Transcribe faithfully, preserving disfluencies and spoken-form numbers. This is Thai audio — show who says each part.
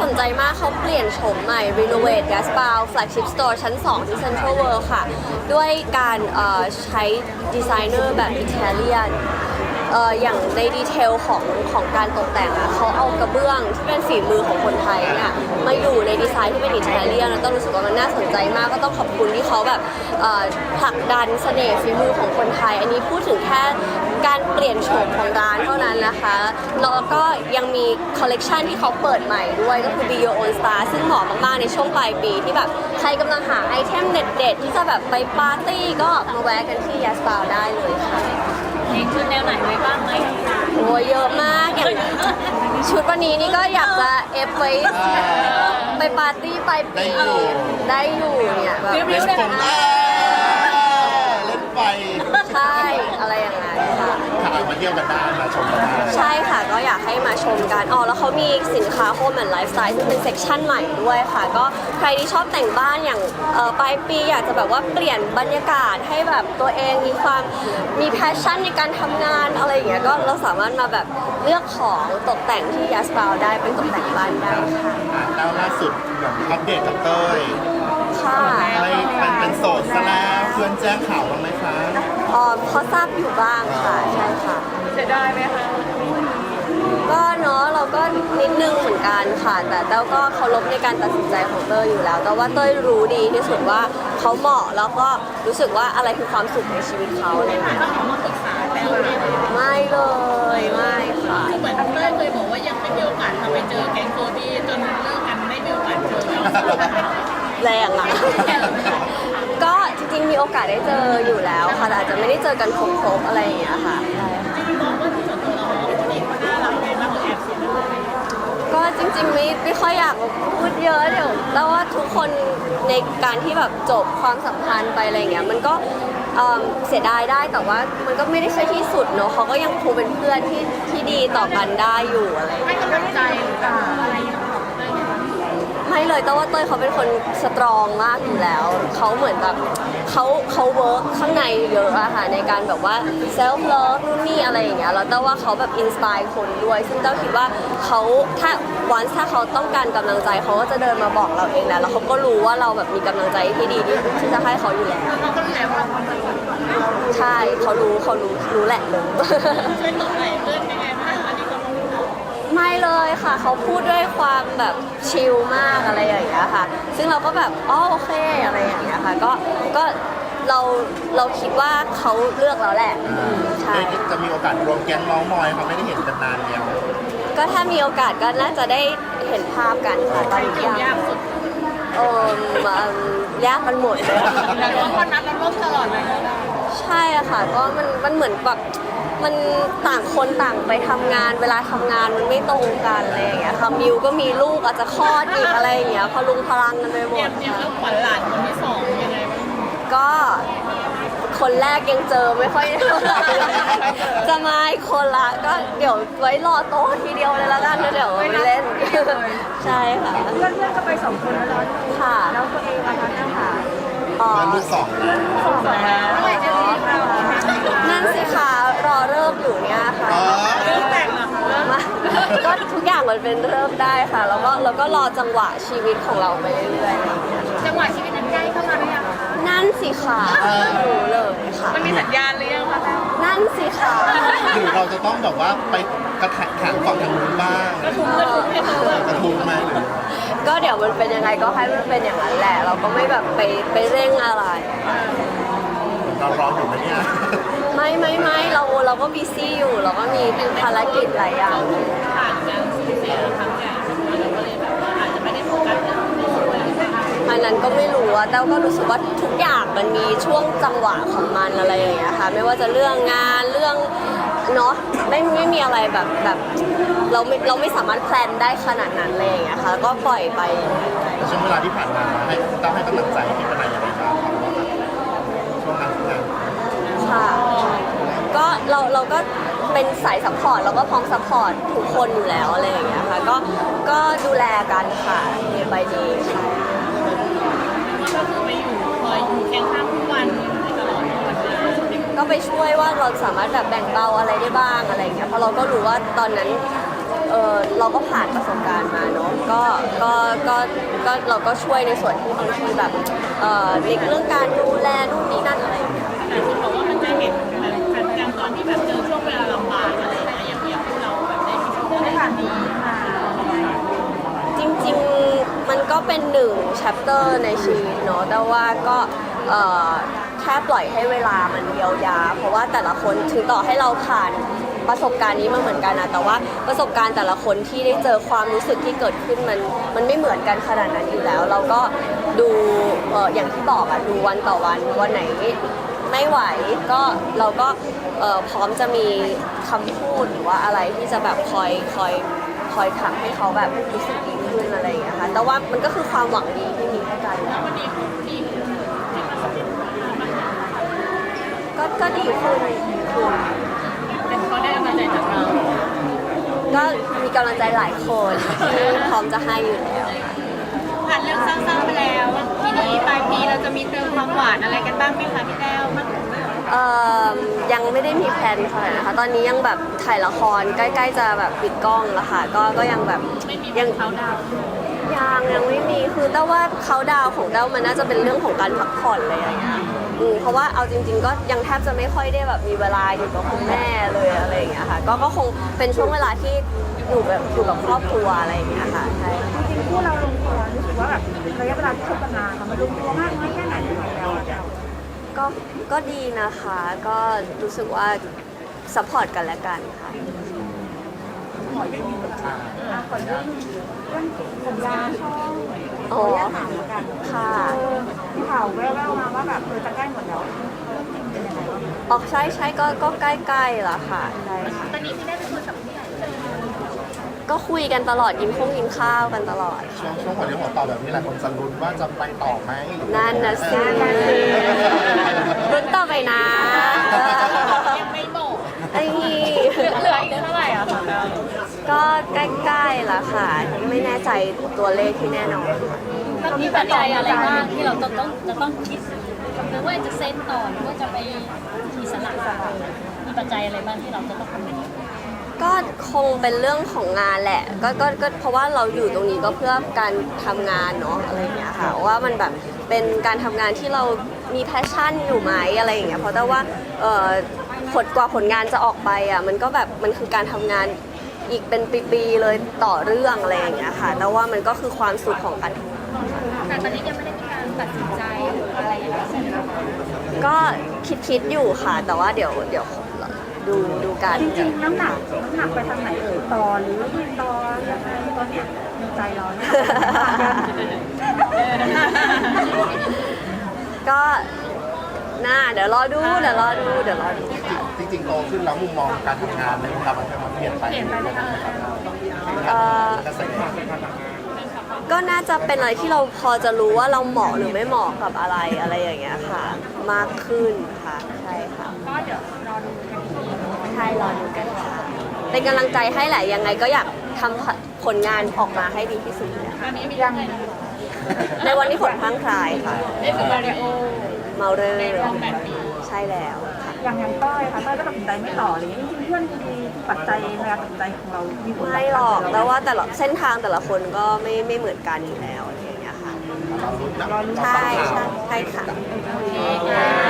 Speaker 1: สนใจมากเขาเปลี่ยนโฉมใหม่ Renovate Gaspar Flagship Store ชั้นสองที่ Central World ค่ะด้วยการใช้ดีไซเนอร์แบบอิตาเลียนเอ่ออย่างในดีเทลของของการตกแต่งอะเขาเอากระเบื้องที่เป็นฝีมือของคนไทยเนี่ยมาอยู่ในดีไซน์ที่เป็นอิตาเลียนแล้วต้องรู้สึกว่ามันน่าสนใจมากก็ต้องขอบคุณที่เขาแบบผลักดันเสน่ห์ฝีมือของคนไทยอันนี้พูดถึงแค่การเปลี่ยนโฉมของร้านเท่านั้นนะคะแล้วก็ยังมีคอลเลกชันที่เขาเปิดใหม่ด้วยก็คือ Be Your Own Star ซึ่งเหมาะมากๆในช่วงปลายปีที่แบบใครกำลังหาไอเทมเด็ดๆที่จะแบบไปปาร์ตี้ก็มาแวะกันที่ Gaspar ได้เลยค่ะ
Speaker 2: มีชุดแนวไหนไว้บ้างไหม
Speaker 1: โอ้เยอะมากอย่างชุดวันนี้นี่ก็อยากจะเอฟไว้ไปปาร์ตี้ปลายปีได้อยู่เนี่ยแบบ
Speaker 2: วิวได้ไหม
Speaker 3: เล่นไฟ
Speaker 1: ใช่อะไรอย่างนั้นค่ะ
Speaker 3: ถ่ายมาเที่ยวกันได้มาชมกันได้
Speaker 1: ใช่ค่ะก็อยากให้มาชมกันอ๋อแล้วเขามีสินค้าโฮมแอนด์ไลฟ์สไตล์ซึ่งเป็นเซกชันใหม่ด้วยค่ะก็ใครที่ชอบแต่งบ้านอย่างปลายปีอยากจะแบบว่าเปลี่ยนบรรยากาศให้แบบตัวเองมีความมีแพชชั่นในการทำงานอะไรอย่างเงี้ยก็เราสามารถมาแบบเลือกของตกแต่งที่ยัสปาวได้เป็นตกแต่งบ้านได้ค่ะ
Speaker 3: แล้วล่าสุดอย่างอัปเดตกับเต้ย
Speaker 1: ค่ะ
Speaker 3: ไม่เป็นเป็นโสดซะแล้วเพื่อนแจ้งข่าวบ้างไหมคะ
Speaker 1: อ๋อเขาทราบอยู่บ้างค่ะใช่ค่ะ
Speaker 2: เสียดายไหมคะ
Speaker 1: ก็เนาะเราก็นิดนึงเหมือนกันค่ะแต่เต้าก็เคารพในการตัดสินใจของเต้ยอยู่แล้วแต่ว่าเต้ยรู้ดีที่สุดว่าเขาเหมาะแล้วก็รู้สึกว่าอะไรคือความสุขในชีวิตเขาอะไรอย่างเงี้ย
Speaker 2: มาปรึกษาแล้ว
Speaker 1: ไม่เลยไม่ค่ะ
Speaker 2: เหมือนเต้ยเคยบอกว่ายังไม่มีโอกาสทำไปเจอแก๊งโซดี้จนเลิกกันไม่มีโอกาสเจอ
Speaker 1: แรงอ่ะก็จริงๆมีโอกาสได้เจออยู่แล้วค่ะแต่อาจจะไม่ได้เจอกันครบๆอะไรอย่างเงี้ยค่ะ
Speaker 2: จริงๆมองว่าที่ส่วนตัวเราเป็นเด็กน่ารักไหมมากกว่าแอบเสียดาย
Speaker 1: ก็จริงๆไม่ไม่ค่อยอยากพูดเยอะเดี๋ยวแต่ว่าทุกคนในการที่แบบจบความสัมพันธ์ไปอะไรเงี้ยมันก็เสียดายได้แต่ว่ามันก็ไม่ได้ใช่ที่สุดเนอะเขาก็ยังคงเป็นเพื่อนที่ที่ดีต่อกันได้อยู่อะไร
Speaker 2: ให้กำลังใจหรืออะไรอย่างเงี้ย
Speaker 1: ไม่เลยแต่ว่าเต้ยเขาเป็นคนสตรองมากอยู่แล้วเขาเหมือนแบบเขาเขาเวิร์กข้างในเยอะอะค่ะในการแบบว่าเซลฟ์เลิฟนู่นนี่อะไรอย่างเงี้ยแล้วแต่ว่าเขาแบบอินสปายคนด้วยซึ่งเต้าคิดว่าเขาถ้าวันถ้าเขาต้องการกำลังใจเขาก็จะเดินมาบอกเราเองแหละแล้วเขาก็รู้ว่าเราแบบมีกำลังใจที่ดีที่จะให้เขาอยู่แล้ว
Speaker 2: เราก็รู้แล้วว่าความสัมพันธ์
Speaker 1: ใช่เขารู้เขารู้รู้แหละเลย
Speaker 2: ช่วยตอบไหนเพื่อนยังไงบ้างอันนี้ก็
Speaker 1: ไม่เลยค่ะเขาพูดด้วยความแบบชิลมากอะไรอย่างเงี้ยค่ะซึ่งเราก็แบบอ๋อโอเคอะไรอย่างเงี้ยค่ะก็ก็เราเราคิดว่าเขาเลือกแล้วแหละใช่
Speaker 3: จะมีโอกาสรวมแก๊งน้องมอยเขาไม่ได้เห็นกันนานแล้ว
Speaker 1: ก็ถ้ามีโอกาสก็น่าจะได้เห็นภาพกันค่ะตอนนี้
Speaker 2: ยากสุด
Speaker 1: เออยากมันหมดเลย
Speaker 2: แล้วคนนัดเราร่วมตลอดเลย
Speaker 1: ใช่อะค่ะก็มันมันเหมือนแบบมันต่างคนต่างไปทำงานเวลาทำงานมันไม่ตรงกันอะไรอย่างเงี้ยค่ะมิวก็มีลูกอาจจะคลอดอีกอะไรอย่างเงี้ยพลุงพลังกันไปหมด
Speaker 2: เตรียมแล้วขวัญหลานคนที่สองยังไงบ้าง
Speaker 1: ก็คนแรกยังเจอไม่ค่อยจะมาอีกคนละก็เดี๋ยวไว้รอโต๊ะทีเดียวเลยละกันนะเดี๋ยวไปเล่นใช่ค่ะ
Speaker 2: เพื่อนเพื่อนก็ไปสองคนแล้ว
Speaker 1: ค่ะ
Speaker 2: แล้วตัวเองนะคะเจ้าค่ะ
Speaker 1: อ๋อ
Speaker 3: ลูกสอง
Speaker 2: สองแล้วเมื่อไหร่จะมีเรา
Speaker 1: นั่นสิคะรอเริ่มอยู่เนี่ยค่ะ
Speaker 2: เริ่มแต่งเหรอคะ
Speaker 1: ก็ทุกอย่างมันเป็นเริ่มได้ค่ะแล้วก็แล้วก็รอจังหวะชีวิตของเราไปเรื่อยๆ
Speaker 2: จังหวะชีวิตนั้นใกล้เข้ามาหรือยัง
Speaker 1: นั่นสิค่ะรู้เลยค่ะ
Speaker 2: มันมีสัญญาณหรือยังคะ
Speaker 1: นั่นสิค่ะ
Speaker 3: หรือเราจะต้องแบบว่าไปกระแทกแขนฝั่งทางนู้นบ้าง
Speaker 2: กระทุ้งกระทุ้งให้เขา
Speaker 3: กระทุ้งไหม
Speaker 1: ก็เดี๋ยวมันเป็นยังไงก็ให้มันเป็นอย่างนั้นแหละเราก็ไม่แบบไปไปเร่งอะไร
Speaker 3: เรารออยู่ไหมเนี่ย
Speaker 1: ไม่ไม่ไม่เราเราก็บีซี่อยู่เราก็มีภารกิจหลายอย่าง
Speaker 2: ผ่านการสูญเสียครั้งใหญ่เราก็เลยแบบว่าอาจจะไม่ได้โฟกัสเรื่องนี้
Speaker 1: อันนั้นก็ไม่รู้อะแต่ก็รู้สึกว่าทุกอย่างมันมีช่วงจังหวะของมันอะไรอย่างเงี้ยค่ะไม่ว่าจะเรื่องงานเรื่องเนาะไม่ไม่มีอะไรแบบแบบเราไม่เราไม่สามารถแพลนได้ขนาดนั้นเลยอย่างเงี้ยค่ะก็ปล่อยไป
Speaker 3: ช่วงเวลาที่ผ่านมาให้ต้องให้กำลังใจที่เป็นอะไรอย่างไรบ้างช่วงนั้นช่วงนั้น
Speaker 1: ค่ะก็เราเราก็เป็นสายซัพพอร์ตเราก็พร้อมซัพพอร์ตทุกคนอยู่แล้วอะไรอย่างเงี้ยค่ะก็ก็ดูแลกันค่ะในใบดีใช่
Speaker 2: ก็คือไปอยู่คอยอยู่เคียงข้างทุกวันตลอดวัน
Speaker 1: ก็ไปช่วยว่าเราสามารถแบบแบ่งเบาอะไรได้บ้างอะไรอย่างเงี้ยเพราะเราก็รู้ว่าตอนนั้นเออเราก็ผ่านประสบการณ์มาเนาะก็ก็ก็ก็เราก็ช่วยในส่วนที่บางทีแบบเอ่อในเรื่องการดูแลนู่นนี่นั่นอะไรอย่างเงี้ย
Speaker 2: แต่คุณบอกว่ามันจะเห็นแบบการตอนที่แบบเจอช่วงเวลาลำบากอะไรอย่างเงี้ยอย่างเงี้ยเราแบบได้มีช่วงเวลานี้มา
Speaker 1: จริงๆมันก็เป็นหนึ่ง chapter ในชีวิตเนาะแต่ว่าก็เอ่อแค่ปล่อยให้เวลามันเยียวยาเพราะว่าแต่ละคนถึงต่อให้เราผ่านประสบการณ์นี้มาเหมือนกันนะแต่ว่าประสบการณ์แต่ละคนที่ได้เจอความรู้สึกที่เกิดขึ้นมันมันไม่เหมือนกันขนาดนั้นอยู่แล้ว เราก็ดูเอ่ออย่างที่บอกอะดูวันต่อวันวันไหนไม่ไหวก็เราก็เอ่อพร้อมจะมีคำพูดหรือว่าอะไรที่จะแบบคอยคอยคอยทำให้เขาแบบรู้สึกดีขึ้นอะไรอย่างเงี้ยค่ะแต่ว่ามันก็คือความหวังดีที่มีให้กัน
Speaker 2: แล้ววันนี้คุณดีที่มาสำเร็จ
Speaker 1: ก็ก็ดีขึ้นดีขึ้น
Speaker 2: เป็นเพราะได้กำลังใจจากเรา
Speaker 1: ก็มีกำลังใจหลายคนที่พร้อมจะให้อยู่แล้ว
Speaker 2: ผ่านเรื่องเศร้าๆไปแล้วทีนี้ปลายปีเราจะมีเติมความหวานอะไรกันบ้างไหมคะพี่แต้วมัน
Speaker 1: เอ่อยังไม่ได้มีแพลนเท่าไหร่นะคะ ตอนนี้ยังแบบถ่ายละครใกล้ๆจะแบบปิดกล้องแล้วค่ะ ก็ก็ยังแบบ
Speaker 2: ไม่มี
Speaker 1: ยัง
Speaker 2: เขาดาว
Speaker 1: ยังยังไม่มีคือแต่ว่าเขาดาวน์ของเต้ามันน่าจะเป็นเรื่องของการพักผ่อนเลยอะไรอย่างเงี้ยอืมเพราะว่าเอาจริง ๆ ก็ยังแทบจะไม่ค่อยได้แบบมีเวลาอยู่กับคุณแม่เลยอะไรอย่างเงี้ยค่ะ ก็ก็คงเป็นช่วงเวลาที่อยู่แบบอยู่กับครอบครัวอะไรอย่างเงี้ยค่ะใช่
Speaker 4: จริงๆคู่เราลงตัวรู้สึกว่าแบบระยะเวลาที่คบกันมาค่ะมันลงตัวมากน้อยแค่ไหนของเราอะ
Speaker 1: ก็ก็ดีนะคะ ก็รู้สึกว่าซัพพอร์ตกันและกันค่ะ
Speaker 4: ขอเรื่องอ่ะขอเรื่องเรื่องสัญญาช่อง
Speaker 1: อ๋อ
Speaker 4: ขออนุญาตถามแล้วกัน
Speaker 1: ค่ะ
Speaker 4: เออที่ข่าวแว่วๆมาว่าแบบเออจะใกล้หมดแล้วเป็นยังไงบ้าง
Speaker 1: ออกใช่ใช่ก็ก็ใกล้ๆแล้วค่ะใช่ค่ะ
Speaker 2: ตอนนี้พี่ได้ไปคุยกับผู้ใหญ่เลย
Speaker 1: ก็คุยกันตลอดกินข้งกินข้าวกันตลอด
Speaker 3: ช่วงช่วงหัวเรียวหัวต่อแบบนี้หลายคนจะลุ้นว่าจะไปต่อไหม
Speaker 1: นั่นนะสิลุ้นต่อไปนะ
Speaker 2: ยังไม่บอก
Speaker 1: ไอ้นี่
Speaker 2: เหลืออีกเท่าไหร่อะคะ
Speaker 1: ก็ใกล้ๆแล้วค่ะ ไม่แน่ใจตัวเลขที่แน่นอน
Speaker 5: มันมีปัจจัยอะไรบ้างที่เราต้องต้องจะต้องคิดหรือว่าจะเซ็นต่อหรือว่าจะไปอิสระมีปัจจัยอะไรบ้างที่เราจะต้องคำนึง
Speaker 1: ก็คงเป็นเรื่องของงานแหละก็ก็ก็เพราะว่าเราอยู่ตรงนี้ก็เพื่อการทำงานเนาะอะไรอย่างเงี้ยค่ะว่ามันแบบเป็นการทำงานที่เรามีแพชชั่นอยู่ไหมอะไรอย่างเงี้ยเพราะแต่ว่าเอ่อผลกว่าผลงานจะออกไปอ่ะมันก็แบบมันคือการทำงานอีกเป็นปีๆเลยต่อเรื่องอะไรอย่างเงี้ยค่ะแต่ว่ามันก็คือความสุขของการทำงาน
Speaker 5: แต่ตอนนี้ยังไม่ได้มีการตัดสินใจหรืออะไรอย่างเงี้ย
Speaker 1: ก็คิดคิดๆอยู่ค่ะ แต่ว่าเดี๋ยวเดี๋ยวดูดูกัน
Speaker 4: จริงๆน้ำหนักน้ำหนักไปทางไหนเอ่ยต่อหรือไม่ต่อยังไงตอนเนี้ยในใจเราเนี่ย
Speaker 1: ก็น่าเดี๋ยวรอดูเดี๋ยวรอดูเดี๋ยวรอดูค่ะ
Speaker 3: จริงๆโตขึ้นแล้วมุมมองการทำงานในวงการบันเทิงมันเปลี่ยนไป
Speaker 4: เปลี่ยนไปไหมคะ
Speaker 1: เอ่อ
Speaker 3: กระแส
Speaker 1: ก็น่าจะเป็นอะไรที่เราพอจะรู้ว่าเราเหมาะหรือไม่เหมาะกับอะไรอะไรอย่างเงี้ยค่ะ มากขึ้นค่ะใช่ค่ะ
Speaker 4: ก็เดี๋ยวรอดูกันอีกที
Speaker 1: ใช่รอดูกันค่ะเป็นกำลังใจให้แหละยังไงก็อยากทำผลงานออกมาให้ดีที่สุดเนี่ย
Speaker 2: ตอนนี้มี
Speaker 4: ยัง
Speaker 1: ในวันที่ผลพลั้งพลายค่ะ
Speaker 2: ได้คือมาริโอ
Speaker 1: เมาเรอ
Speaker 2: ใน
Speaker 1: ร์
Speaker 2: รอบแปดปี
Speaker 1: ใช่แล้วค่ะ
Speaker 4: อย่างอย่างต้อยค่ะต้อยก็ตัดสินใจไม่ต่อเลยจริงๆเพื่อนดีปัจจัยในการตัดสินใจของเรามีผล
Speaker 1: ไม่หรอกแล้วว่าแต่ละเส้นทางแต่ละคนก็ไม่ไม่เหมือนกันอยู่แล้วอะไรอย่างเงี้ยค่ะ
Speaker 3: เราลุ้นนะ
Speaker 1: ใช่ใช่ใช่ค่ะ
Speaker 2: โอเคค่ะ